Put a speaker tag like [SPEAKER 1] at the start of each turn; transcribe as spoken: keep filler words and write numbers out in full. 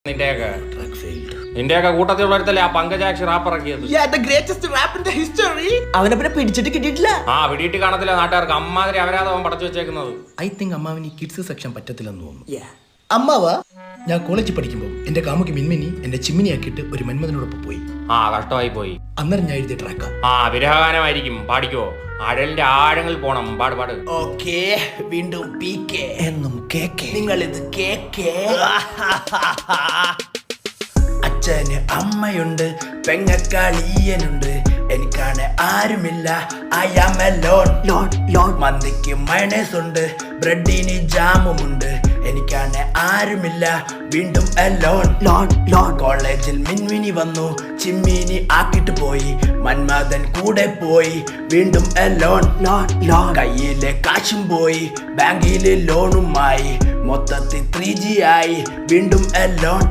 [SPEAKER 1] നിന്റെയൊക്കെ നിന്റെയൊക്കെ കൂട്ടത്തിലുള്ളവരത്തല്ലേ ആ പങ്കജാക്ഷി റാപ്പ് ഇറക്കിയത്.
[SPEAKER 2] അവനെ പിന്നെ പിടിച്ചിട്ട് കിട്ടിയിട്ടില്ല.
[SPEAKER 1] ആ പിടിയിട്ട് കാണത്തില്ല നാട്ടുകാർക്ക്. അമ്മാതിരി അവരാതെ അവൻ പടച്ചു വെച്ചേക്കുന്നത്.
[SPEAKER 3] ഐ തിങ്ക് അമ്മാവിന് കിഡ്സ് സെക്ഷൻ പറ്റത്തില്ലെന്ന് തോന്നുന്നു. അമ്മാവ ഞാൻ കോളേജിൽ പഠിക്കുമ്പോൾ എന്റെ കാമുക്ക് മിൻമിനി എന്റെ ചിമ്മിനി ആക്കിയിട്ട് ഒരു മന്മഥനോടൊപ്പം പോയി.
[SPEAKER 1] ആ കഷ്ടമായി പോയി.
[SPEAKER 3] അന്നേരം ഞാൻ എഴുതിയ ട്രാക്ക.
[SPEAKER 1] ആ വിരഹഗാനമായിരിക്കും. പാടിക്കോ. അഴലിന്റെ ആഴങ്ങളിൽ പോണം. പാട് പാട്.
[SPEAKER 2] ഓക്കേ, വീണ്ടും പി കെ എന്നും കേക്ക്. നിങ്ങൾ ഇത് കേക്ക്. അച്ഛന് അമ്മയുണ്ട്, പെങ്ങക്കാളിയനുണ്ട്, എനിക്കാണ് ആരുമില്ല. I am alone. Loan loan മന്തിക്ക് മയണൈസ് ഉണ്ട്, ബ്രെഡിന് ജാമുമുണ്ട്, എനിക്കാണ് ആരുമില്ല. വീണ്ടും എലോൺ. ലോൺ ലോൺ കോളേജിൽ മിൻമിനി വന്നു, ചിമ്മിനി ആക്കിട്ട് പോയി, മന്മഥൻ കൂടെ പോയി. വീണ്ടും എലോൺ. ലോൺ ലോൺ കയ്യിലെ കാശും പോയി, ബാങ്കിലെ ലോണുമായി, മൊത്തത്തിൽ ത്രീ ജി ആയി. വീണ്ടും എലോൺ.